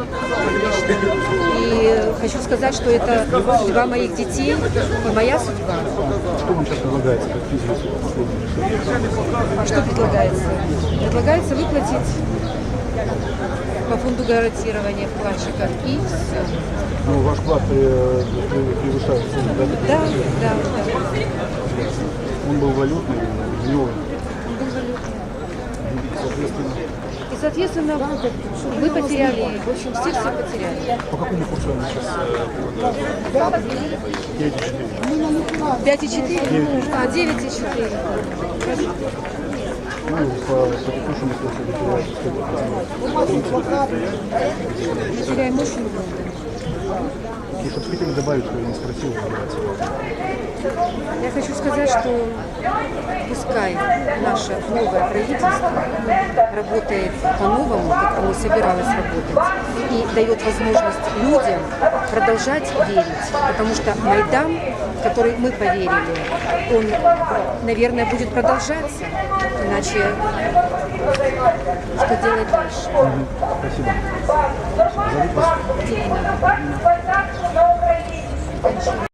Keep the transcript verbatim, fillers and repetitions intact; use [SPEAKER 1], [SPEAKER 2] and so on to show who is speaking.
[SPEAKER 1] И хочу сказать, что это судьба моих детей и моя судьба.
[SPEAKER 2] Что вам сейчас предлагается, как физически?
[SPEAKER 1] Что предлагается? Предлагается выплатить по фонду гарантирования вкладчиков и все.
[SPEAKER 2] Ну, ваш вклад э, превышает сумму, да?
[SPEAKER 1] Да, да, да.
[SPEAKER 2] Он был валютный, гривен.
[SPEAKER 1] Он был валютный.
[SPEAKER 2] Соответственно,
[SPEAKER 1] И, соответственно, вы потеряли, в общем, все все потеряли.
[SPEAKER 2] по какому курсу они сейчас? пять и четыре.
[SPEAKER 1] пять и четыре? А, девять и четыре.
[SPEAKER 2] Ну, по, по текущему курсу вы теряете сколько?
[SPEAKER 1] Мы теряем очень много.
[SPEAKER 2] И что хотели добавить, что я не спросил, называется.
[SPEAKER 1] Я хочу сказать, что пускай наше новое правительство работает по-новому, как оно собиралось работать, и дает возможность людям продолжать верить, потому что Майдан, в который мы поверили, он, наверное, будет продолжаться, иначе что делать дальше?
[SPEAKER 2] Спасибо. Зовут вас?
[SPEAKER 1] Дина.